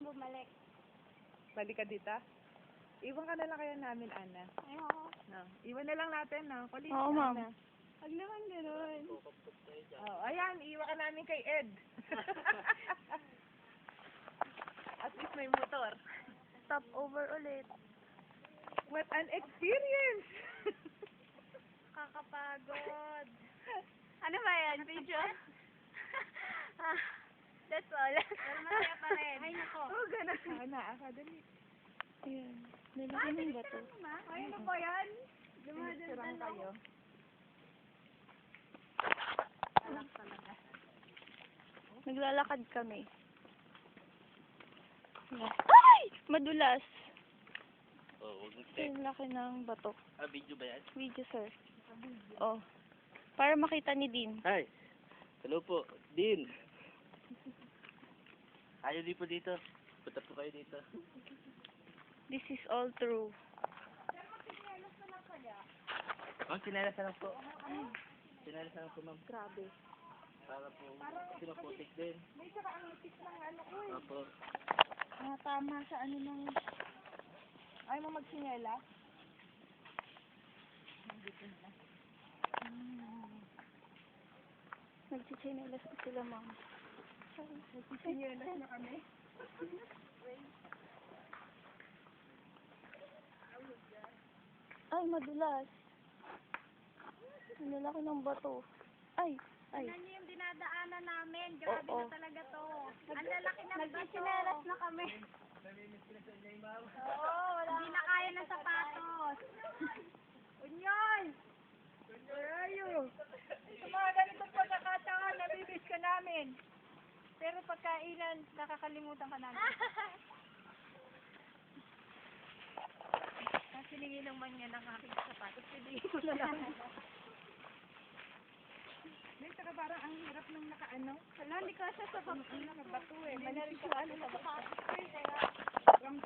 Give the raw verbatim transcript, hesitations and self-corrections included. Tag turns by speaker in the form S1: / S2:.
S1: bumalik.
S2: Balik ka dito? Iwan ka na lang kaya namin, Ana.
S1: Ayoko.
S2: No. Iwan na lang natin, no? Kulit,
S3: Oo, ma'am.
S2: Ana.
S1: Huwag naman gano'n.
S2: Oh, ayan, iwan ka namin kay Ed. At least may motor.
S3: Stop over ulit.
S2: What an experience!
S1: Kakapagod. Ano ba yan? Video? Ah, that's all. Pero masaya pa rin. Ay, nako.
S2: Oh, ganun. Ana, academy.
S3: Ayan. Nilaki ng bato.
S1: Ay, ano ba yan?
S2: Sinusirang kayo.
S3: Naglalakad kami. Ay! Madulas.
S4: Oo, huwag mo
S3: Ang laki ng bato.
S4: Ah, video ba yan?
S3: Video, sir. Oh. Para makita ni Dean.
S4: Hi. Hello po. Din. Ayaw di po dito. Punta po kayo dito.
S3: This is all true.
S4: Ma'am, sinelas na lang po. Sinelas na lang po, ma'am.
S3: Grabe.
S4: Para po, kasi maputik din.
S2: May saka ang ipis ng ano ko eh.
S4: Opo.
S2: Ah, tama sa ano ng... Ay mo magsinela?
S3: Nagsichinelas na sila, ma'am.
S2: Magsisinyelas na kami.
S3: Ay, madulas. Ang lalaki ng bato. Ay, ay.
S1: Tingnan niyo yung dinadaanan namin. Grabe
S3: Oo.
S1: na talaga to. Ang lalaki ng bato. Nagsisinelas na kami. Oo, wala. Hindi na kaya ng sapatos.
S2: Unyan! Where are you? Sa mga ganitong pagkakataon, nabibis ka namin. Pero pagkainan, nakakalimutan ka namin.
S1: Kasi ningilang man niya ng aking sapatos.
S2: Hindi ko na lang. May saka parang ang hirap nung nakaano.
S1: Wala, hindi ka siya sa
S2: Ang nakabato eh. Manarin ko ano sa baka.